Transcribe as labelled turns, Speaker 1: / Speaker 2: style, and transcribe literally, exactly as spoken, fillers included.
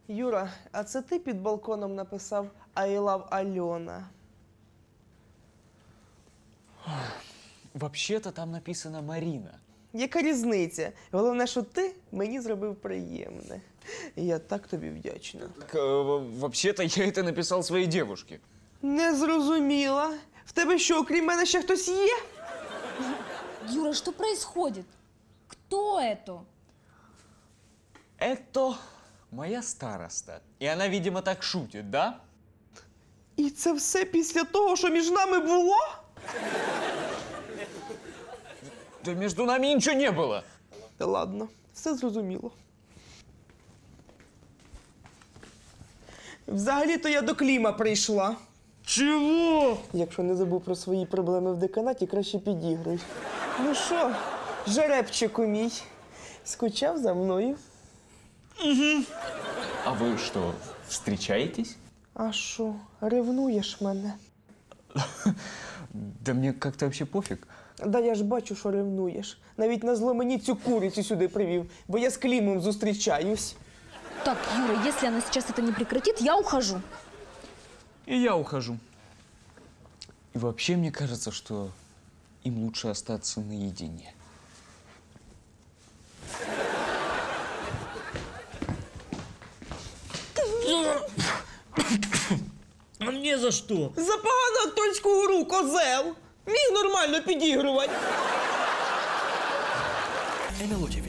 Speaker 1: Юра, а це ти під балконом написав «I love Альона»?
Speaker 2: Вообще-то там написано Марина.
Speaker 1: Яка різниця? Головне, що ти мені зробив приємне. І я так тобі вдячна.
Speaker 2: Так, э, вообще-то я это написал своей девушке.
Speaker 1: Не зрозуміла. В тебе що, окрім мене ще хтось є?
Speaker 3: Юра, что происходит? Кто это?
Speaker 2: Это моя староста. И она, видимо, так шутит, да?
Speaker 1: І це все після того, що між нами було?
Speaker 2: Да между нами ничего не было.
Speaker 1: Та ладно, все зрозуміло. Взагалі-то я до Кліма прийшла.
Speaker 2: Чего?
Speaker 1: Якщо не забув про свої проблеми в деканаті, краще підігруй. Ну що, жеребчику мій, скучав за мною?
Speaker 2: А вы что, встречаетесь?
Speaker 1: А що, ревнуєш мене?
Speaker 2: Да мне как-то вообще пофиг.
Speaker 1: Да я ж бачу, що ревнуєш. Навіть назло мені цю курицю сюди привів, бо я з Клімом зустрічаюсь.
Speaker 3: Так, Юра, если она сейчас это не прекратит, я ухожу.
Speaker 2: И я ухожу. И вообще мне кажется, что им лучше остаться наедине.
Speaker 4: А мне за что?
Speaker 1: За погану акторську гру, козел! Міг нормально підігрувати.
Speaker 4: эн эл о ті ві.